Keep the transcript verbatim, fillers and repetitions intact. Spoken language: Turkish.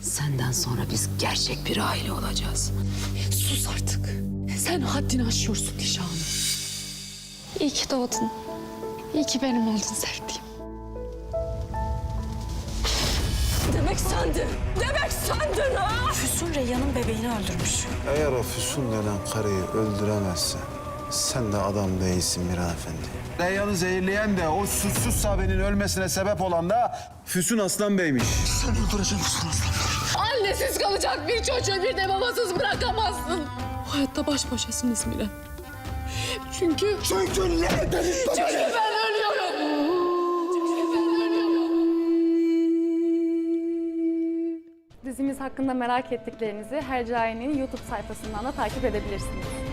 Senden sonra biz gerçek bir aile olacağız. Sus artık. Sen haddini aşıyorsun Nişanlı. İyi ki doğdun. İyi ki benim oldun sevdiğim. Demek sendin. Demek sendin ha! Füsun Reyhan'ın bebeğini öldürmüş. Eğer o Füsun denen karıyı öldüremezsen sen de adam değilsin Miran Efendi. Reyhan'ı zehirleyen de o suçsuz sahabenin ölmesine sebep olan da Füsun Aslan Bey'miş. Sen öldüreceğim Füsun Aslan. Annesiz kalacak bir çocuğu bir de babasız bırakamazsın. Bu hayatta baş başasınız Miran. Çünkü... Çünkü ne? Çünkü ben ölüyorum. Dizimiz hakkında merak ettiklerinizi Hercai'nin YouTube sayfasından da takip edebilirsiniz.